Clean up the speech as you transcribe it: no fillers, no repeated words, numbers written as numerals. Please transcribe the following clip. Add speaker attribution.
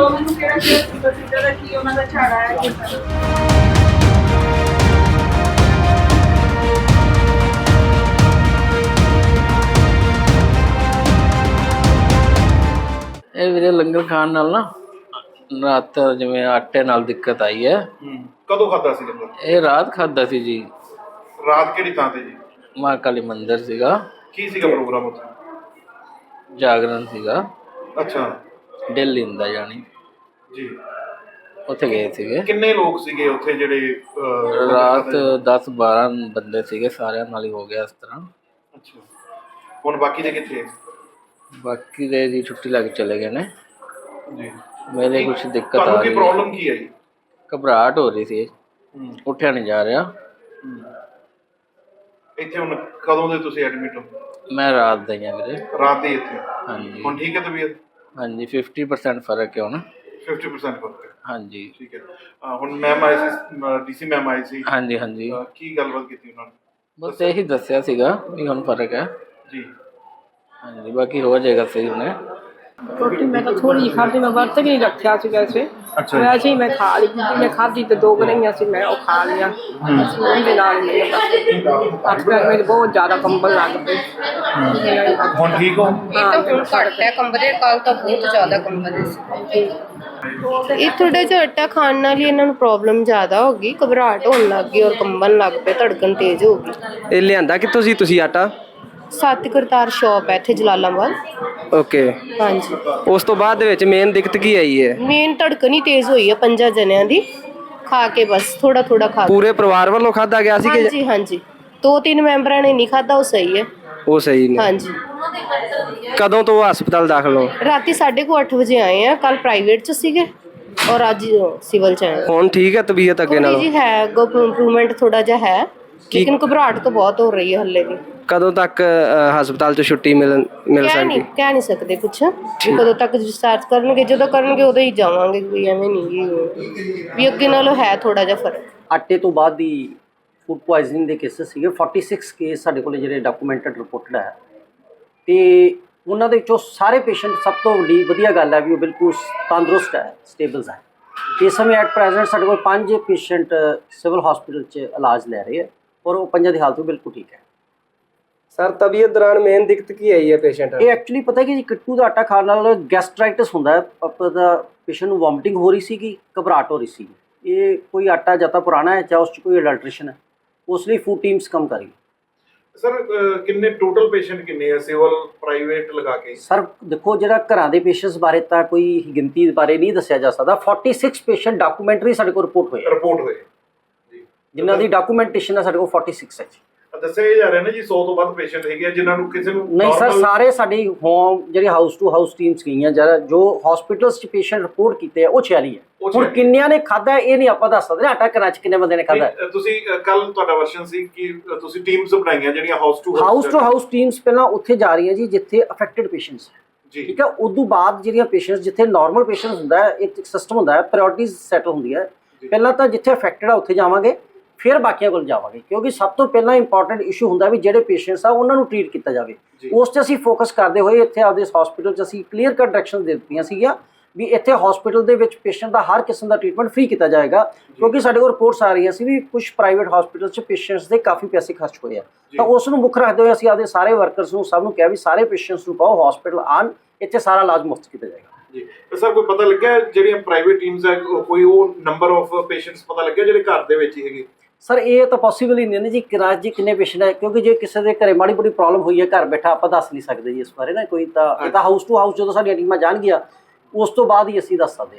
Speaker 1: ਦੱਸੋ ਮੈਨੂੰ ਕਿਹੜਾ ਪ੍ਰੋਸੀਜਰ ਹੈ, ਕੀ ਉਹਨਾਂ ਦਾ ਝਾੜਾ ਹੈ ਕਿੱਦਾਂ?
Speaker 2: ਇਹ ਵੀਰੇ ਲੰਗਰ ਖਾਣ ਨਾਲ ਨਾ ਰਾਤ ਜਿਵੇਂ ਆਟੇ ਨਾਲ ਦਿੱਕਤ ਆਈ ਹੈ।
Speaker 3: ਕਦੋਂ ਖਾਦਾ ਸੀ ਲੰਗਰ?
Speaker 2: ਇਹ ਰਾਤ ਖਾਦਾ ਸੀ ਜੀ।
Speaker 3: ਰਾਤ ਕਿਹੜੀ ਥਾਂ ਤੇ ਜੀ?
Speaker 2: ਮਾਂ ਕਾਲੀ ਮੰਦਿਰ ਸੀਗਾ।
Speaker 3: ਕੀ ਸੀਗਾ ਪ੍ਰੋਗਰਾਮ ਉੱਥੇ?
Speaker 2: ਜਾਗਰਣ ਸੀਗਾ।
Speaker 3: ਅੱਛਾ
Speaker 2: ਦਿੱਲੀ ਦਾ ਜਾਣੀ
Speaker 3: ਜੀ।
Speaker 2: ਉੱਥੇ ਗਏ ਸੀਗੇ।
Speaker 3: ਕਿੰਨੇ ਲੋਕ ਸੀਗੇ ਉੱਥੇ ਜਿਹੜੇ
Speaker 2: ਰਾਤ 10-12 ਬੰਦੇ ਸੀਗੇ, ਸਾਰਿਆਂ ਨਾਲ ਹੀ ਹੋ ਗਿਆ ਇਸ ਤਰ੍ਹਾਂ।
Speaker 3: ਅੱਛਾ, ਹੁਣ ਬਾਕੀ ਦੇ ਕਿੱਥੇ?
Speaker 2: ਬਾਕੀ ਦੇ ਜੀ ਛੁੱਟੀ ਲੱਗ ਚਲੇ ਗਏ ਨੇ
Speaker 3: ਜੀ।
Speaker 2: ਮੇਰੇ ਕੁਛ ਦਿੱਕਤ ਆ
Speaker 3: ਤੁਹਾਨੂੰ
Speaker 2: ਰਹੀ
Speaker 3: ਕੀ ਪ੍ਰੋਬਲਮ ਕੀ ਹੈ ਜੀ?
Speaker 2: ਘਬਰਾਹਟ ਹੋ ਰਹੀ ਸੀ, ਉੱਠਿਆ ਨਹੀਂ ਜਾ ਰਿਹਾ।
Speaker 3: ਇੱਥੇ ਹੁਣ ਕਦੋਂ ਦੇ ਤੁਸੀਂ ਐਡਮਿਟ ਹੋ?
Speaker 2: ਮੈਂ ਰਾਤ ਦਾ ਹੀ ਹਾਂ ਵੀਰੇ।
Speaker 3: ਰਾਤ ਦੇ ਇੱਥੇ?
Speaker 2: ਹਾਂਜੀ
Speaker 3: ਹੁਣ ਠੀਕ ਹੈ ਤਬੀਅਤ?
Speaker 2: ਹਾਂਜੀ 50% ਫਰਕ ਹੈ ਹੁਣ।
Speaker 3: 50% ਫਰਕ ਹੈ?
Speaker 2: ਹਾਂਜੀ
Speaker 3: ਠੀਕ ਹੈ। ਹੁਣ ਮੈਮ ਆਏ ਸੀ, ਡੀਸੀ ਮੈਮ ਆਏ ਸੀ।
Speaker 2: ਹਾਂਜੀ ਹਾਂਜੀ
Speaker 3: ਕੀ ਗੱਲਬਾਤ ਕੀਤੀ ਉਹਨਾਂ ਨੇ?
Speaker 2: ਬਸ ਇਹੀ ਦੱਸਿਆ ਸੀਗਾ ਵੀ ਹੁਣ ਫਰਕ ਹੈ
Speaker 3: ਜੀ।
Speaker 2: ਹਾਂਜੀ, ਬਾਕੀ ਹੋ ਜਾਏਗਾ ਸਹੀ ਹੁਣੇ।
Speaker 4: रोटी मैं तो थोड़ी ही खाती, मैं बर्त नहीं रखा सी वैसे।
Speaker 3: अच्छा।
Speaker 4: वैसे ही मैं खा ली, मैं खाती तो 2 गरइयां सी, मैं वो खा लिया। ਉਹਦੇ ਨਾਲ ਮੇਰੇ ਅੱਜ ਕੱਲ੍ਹ ਮੇਰੇ ਬਹੁਤ ਜ਼ਿਆਦਾ ਕੰਬਲ ਲੱਗ ਪਏ।
Speaker 3: ਹੁਣ ਠੀਕ ਹੋ?
Speaker 4: ਹਾਂ
Speaker 5: ਹੁਣ ਘੱਟ ਹੈ ਕੰਬਲ, ਕੱਲ ਤਾਂ ਬਹੁਤ ਜ਼ਿਆਦਾ ਕੰਬਲ ਸੀ। ਇਹ ਥੋੜਾ ਜਿਹਾ ਆਟਾ ਖਾਣ ਨਾਲ ਹੀ ਇਹਨਾਂ ਨੂੰ ਪ੍ਰੋਬਲਮ ਜ਼ਿਆਦਾ ਹੋ ਗਈ, ਘਬਰਾਹਟ ਹੋਣ ਲੱਗ ਗਈ ਔਰ ਕੰਬਣ ਲੱਗ ਪਏ, ਧੜਕਣ ਤੇਜ਼ ਹੋ ਗਈ।
Speaker 6: ਇਹ ਲਿਆਂਦਾ ਕਿੱਥੋਂ ਸੀ ਤੁਸੀਂ ਆਟਾ?
Speaker 5: ਸੱਤ ਕਰਤਾਰ ਸ਼ੌਪ ਹੈ ਇੱਥੇ ਜਲਾਲਾਬਾਦ।
Speaker 6: ਓਕੇ।
Speaker 5: ਹਾਂਜੀ।
Speaker 6: ਉਸ ਤੋਂ ਬਾਅਦ ਦੇ ਵਿੱਚ ਮੇਨ ਦਿੱਕਤ ਕੀ ਆਈ ਹੈ?
Speaker 5: ਮੇਨ ਧੜਕਣ ਹੀ ਤੇਜ਼ ਹੋਈ ਹੈ 5 ਜਣਿਆਂ ਦੀ, ਖਾ ਕੇ ਬਸ ਥੋੜਾ ਥੋੜਾ ਖਾ ਕੇ।
Speaker 6: ਪੂਰੇ ਪਰਿਵਾਰ ਵੱਲੋਂ ਖਾਧਾ ਗਿਆ ਸੀ ਕਿ
Speaker 5: ਹਾਂਜੀ ਹਾਂਜੀ, 2-3 ਮੈਂਬਰਾਂ ਨੇ ਨਹੀਂ ਖਾਧਾ, ਉਹ ਸਹੀ ਹੈ।
Speaker 6: ਉਹ ਸਹੀ ਨੇ?
Speaker 5: ਹਾਂਜੀ।
Speaker 6: ਕਦੋਂ ਤੋਂ ਹਸਪਤਾਲ ਦਾਖਲ ਹੋ?
Speaker 5: ਰਾਤੀ 8:30 ਵਜੇ ਆਏ ਆ, ਕੱਲ ਪ੍ਰਾਈਵੇਟ ਚ ਸੀਗੇ ਔਰ ਅੱਜ ਸਿਵਲ ਚ ਆਏ।
Speaker 6: ਹੁਣ ਠੀਕ ਹੈ ਤਬੀਅਤ ਅੱਗੇ
Speaker 5: ਥੋੜੀ
Speaker 6: ਨਾਲੋਂ?
Speaker 5: ਜੀ ਹੈ ਇੰਪਰੂਵਮੈਂਟ ਥੋੜਾ ਜਿਹਾ ਹੈ, ਲੇਕਿਨ ਘਬਰਾਹਟ ਤਾਂ ਬਹੁਤ ਹੋ ਰਹੀ ਹੈ ਹੱਲੇ ਵੀ।
Speaker 6: ਕਦੋਂ ਤੱਕ ਹਸਪਤਾਲ ਤੋਂ ਛੁੱਟੀ ਮਿਲ ਸਕਦੀ?
Speaker 5: ਕਹਿ ਨਹੀਂ ਸਕਦੇ ਕੁਛ ਵੀ ਕਦੋਂ ਤੱਕ ਡਿਸਚਾਰਜ ਕਰਨਗੇ, ਜਦੋਂ ਕਰਨਗੇ ਉਦੋਂ ਹੀ ਜਾਵਾਂਗੇ, ਕੋਈ ਐਵੇਂ ਨਹੀਂ ਵੀ ਅੱਗੇ ਨਾਲੋਂ ਹੈ ਥੋੜਾ ਜਿਹਾ ਫਰਕ।
Speaker 7: ਆਟੇ ਤੋਂ ਬਾਅਦ ਦੀ ਫੂਡ ਪੋਇਜ਼ਨਿੰਗ ਦੇ ਕੇਸਿਸ ਸੀਗੇ 46 ਕੇਸ ਸਾਡੇ ਕੋਲ ਜਿਹੜੇ ਡਾਕੂਮੈਂਟਡ ਰਿਪੋਰਟਡ ਹੈ, ਤੇ ਉਹਨਾਂ ਦੇ ਵਿੱਚੋਂ ਸਾਰੇ ਪੇਸ਼ੈਂਟ, ਸਭ ਤੋਂ ਵੱਡੀ ਵਧੀਆ ਗੱਲ ਹੈ ਵੀ ਉਹ ਬਿਲਕੁਲ ਤੰਦਰੁਸਤ ਹੈ, ਸਟੇਬਲਸ ਹੈ। ਇਸ ਸਮੇਂ ਐਟ ਪ੍ਰੈਜ਼ੈਂਟ ਸਾਡੇ ਕੋਲ 5 ਪੇਸ਼ੈਂਟ ਸਿਵਲ ਹਸਪੀਟਲ 'ਚ ਇਲਾਜ ਲੈ ਰਹੇ ਹੈ ਔਰ ਉਹ 5 ਦੀ ਹਾਲਤ ਵੀ ਬਿਲਕੁਲ ਠੀਕ ਹੈ।
Speaker 6: ਸਰ ਤਬੀਅਤ ਦੌਰਾਨ ਮੇਨ ਦਿੱਕਤ ਕੀ ਆਈ ਹੈ ਪੇਸ਼ੈਂਟ?
Speaker 7: ਇਹ ਐਕਚੁਅਲੀ ਪਤਾ ਕਿ ਜੀ ਕਿੱਟੂ ਦਾ ਆਟਾ ਖਾਣ ਨਾਲ ਗੈਸਟਰਾਈਟਿਸ ਹੁੰਦਾ ਹੈ, ਆਪਣਾ ਪੇਸ਼ੈਂਟ ਨੂੰ ਵੋਮਿਟਿੰਗ ਹੋ ਰਹੀ ਸੀਗੀ, ਘਬਰਾਹਟ ਹੋ ਰਹੀ ਸੀ। ਇਹ ਕੋਈ ਆਟਾ ਜਾਂ ਤਾਂ ਪੁਰਾਣਾ ਹੈ ਜਾਂ ਉਸ 'ਚ ਕੋਈ ਅਡਲਟ੍ਰੇਸ਼ਨ ਹੈ, ਉਸ ਲਈ ਫੂਡ ਟੀਮਸ ਕੰਮ ਕਰ ਰਹੀ ਹੈ।
Speaker 3: ਸਰ ਕਿੰਨੇ ਟੋਟਲ ਪੇਸ਼ੈਂਟ ਕਿੰਨੇ ਆ ਸਿਵਲ ਪ੍ਰਾਈਵੇਟ ਲਗਾ ਕੇ?
Speaker 7: ਸਰ ਦੇਖੋ, ਜਿਹੜਾ ਘਰਾਂ ਦੇ ਪੇਸ਼ੈਂਟਸ ਬਾਰੇ ਤਾਂ ਕੋਈ ਗਿਣਤੀ ਬਾਰੇ ਨਹੀਂ ਦੱਸਿਆ ਜਾ ਸਕਦਾ। 46 ਪੇਸ਼ੈਂਟ ਡਾਕੂਮੈਂਟਰੀ ਸਾਡੇ ਕੋਲ ਰਿਪੋਰਟ ਹੋਏ ਜੀ, ਜਿਨ੍ਹਾਂ ਦੀ ਡਾਕੂਮੈਂਟੇਸ਼ਨ ਹੈ ਸਾਡੇ ਕੋਲ 46 ਹੈ ਜੀ।
Speaker 3: ਦੱਸਿਆ ਜਾ ਰਿਹਾ ਨਾ ਜੀ 100 ਤੋਂ ਵੱਧ ਪੇਸ਼ੈਂਟ ਹੈਗੇ ਆ ਜਿਨ੍ਹਾਂ ਨੂੰ ਕਿਸੇ ਨੂੰ
Speaker 7: ਨਹੀਂ ਸਰ, ਸਾਰੇ ਸਾਡੀ ਹੋਮ ਜਿਹੜੀ ਹਾਊਸ ਟੂ ਹਾਊਸ ਟੀਮਸ ਗਈਆਂ, ਜਿਹੜਾ ਜੋ ਹਸਪੀਟਲਸ 'ਚ ਪੇਸ਼ੈਂਟ ਰਿਪੋਰਟ ਕੀਤੇ ਆ ਉਹ 46 ਹੈ। ਹੁਣ ਕਿੰਨਿਆਂ ਨੇ ਖਾਧਾ ਇਹ ਨਹੀਂ ਆਪਾਂ ਦੱਸ ਸਕਦੇ ਨਾ, ਆਟਾ ਘਰਾਂ 'ਚ ਕਿੰਨੇ ਬੰਦੇ ਨੇ ਖਾਧਾ।
Speaker 3: ਤੁਸੀਂ ਕੱਲ ਤੁਹਾਡਾ ਵਰਸ਼ਨ ਸੀ ਕਿ ਤੁਸੀਂ ਟੀਮਸ ਬਣਾਈਆਂ ਜਿਹੜੀਆਂ ਹਾਊਸ ਟੂ
Speaker 7: ਹਾਊਸ ਟੀਮਸ ਪਹਿਲਾਂ ਉੱਥੇ ਜਾ ਰਹੀਆਂ ਜੀ ਜਿੱਥੇ ਅਫੈਕਟਡ ਪੇਸ਼ੈਂਟਸ ਹੈ
Speaker 3: ਜੀ,
Speaker 7: ਠੀਕ ਹੈ। ਉਦੋਂ ਬਾਅਦ ਜਿਹੜੀਆਂ ਪੇਸ਼ੈਂਟਸ ਜਿੱਥੇ ਨਾਰਮਲ ਪੇਸ਼ੈਂਟਸ ਹੁੰਦਾ ਹੈ, ਇੱਕ ਸਿਸਟਮ ਹੁੰਦਾ ਹੈ, ਪ੍ਰਾਇੋਰਟੀਜ਼ ਸੈਟਲ ਹੁੰਦੀ ਹੈ। ਪਹਿਲਾਂ ਤਾਂ ਜਿੱਥੇ ਅਫੈਕਟਡ ਆ ਉੱਥੇ ਜਾਵਾਂਗੇ, ਫਿਰ ਬਾਕੀਆਂ ਕੋਲ ਜਾਵਾਂਗੇ, ਕਿਉਂਕਿ ਸਭ ਤੋਂ ਪਹਿਲਾਂ ਇੰਪੋਰਟੈਂਟ ਇਸ਼ੂ ਹੁੰਦਾ ਵੀ ਜਿਹੜੇ ਪੇਸ਼ੈਂਟਸ ਆ ਉਹਨਾਂ ਨੂੰ ਟ੍ਰੀਟ ਕੀਤਾ ਜਾਵੇ। ਉਸ 'ਤੇ ਅਸੀਂ ਫੋਕਸ ਕਰਦੇ ਹੋਏ ਇੱਥੇ ਆਪਦੇ ਹਸਪੀਟਲ 'ਚ ਅਸੀਂ ਕਲੀਅਰ ਕੱਟ ਡਾਇਰੈਕਸ਼ਨ ਦੇ ਦਿੱਤੀਆਂ ਸੀਗੀਆਂ ਵੀ ਇੱਥੇ ਹਸਪੀਟਲ ਦੇ ਵਿੱਚ ਪੇਸ਼ੈਂਟ ਦਾ ਹਰ ਕਿਸਮ ਦਾ ਟ੍ਰੀਟਮੈਂਟ ਫ੍ਰੀ ਕੀਤਾ ਜਾਏਗਾ, ਕਿਉਂਕਿ ਸਾਡੇ ਕੋਲ ਰਿਪੋਰਟਸ ਆ ਰਹੀਆਂ ਸੀ ਵੀ ਕੁਝ ਪ੍ਰਾਈਵੇਟ ਹਸਪੀਟਲ 'ਚ ਪੇਸ਼ੈਂਟਸ ਦੇ ਕਾਫੀ ਪੈਸੇ ਖਰਚ ਹੋਏ ਆ। ਤਾਂ ਉਸ ਨੂੰ ਮੁੱਖ ਰੱਖਦੇ ਹੋਏ ਅਸੀਂ ਆਪਦੇ ਸਾਰੇ ਵਰਕਰਸ ਨੂੰ ਸਭ ਨੂੰ ਕਿਹਾ ਵੀ ਸਾਰੇ ਪੇਸ਼ੈਂਟਸ ਨੂੰ ਕਹੋ ਹਸਪੀਟਲ ਆਉਣ, ਇੱਥੇ ਸਾਰਾ ਇਲਾਜ ਮੁਫਤ ਕੀਤਾ ਜਾਏਗਾ
Speaker 3: ਜੀ। ਸਰ ਕੋਈ ਪਤਾ ਲੱਗਿਆ ਜਿਹੜੀਆਂ ਪ੍ਰਾਈਵੇਟ ਟੀਮਸ ਹੈ ਕੋਈ ਉਹ ਨੰਬਰ ਆਫ ਪੇਸ਼ੈਂਟਸ ਪਤਾ ਲੱਗਿਆ ਜਿਹੜੇ ਘਰ ਦੇ ਵਿੱਚ ਹੀ ਹੈਗੇ?
Speaker 7: ਸਰ ਇਹ ਤਾਂ ਪੋਸੀਬਲ ਹੀ ਨਹੀਂ ਨਾ ਜੀ, ਕਿਰਾਜ ਜੀ ਕਿੰਨੇ ਪੇਸ਼ੈਂਟ ਹੈ, ਕਿਉਂਕਿ ਜੇ ਕਿਸੇ ਦੇ ਘਰੇ ਮਾੜੀ ਮੋਟੀ ਪ੍ਰੋਬਲਮ ਹੋਈ ਹੈ ਘਰ ਬੈਠਾ ਆਪਾਂ ਦੱਸ ਨਹੀਂ ਸਕਦੇ ਜੀ ਇਸ ਬਾਰੇ ਨਾ ਕੋਈ, ਤਾਂ ਇਹ ਤਾਂ ਹਾਊਸ ਟੂ ਹਾਊਸ ਜਦੋਂ ਸਾਡੀਆਂ ਟੀਮਾਂ ਜਾਣਗੀਆਂ ਉਸ ਤੋਂ ਬਾਅਦ ਹੀ ਅਸੀਂ ਦੱਸ ਸਕਦੇ।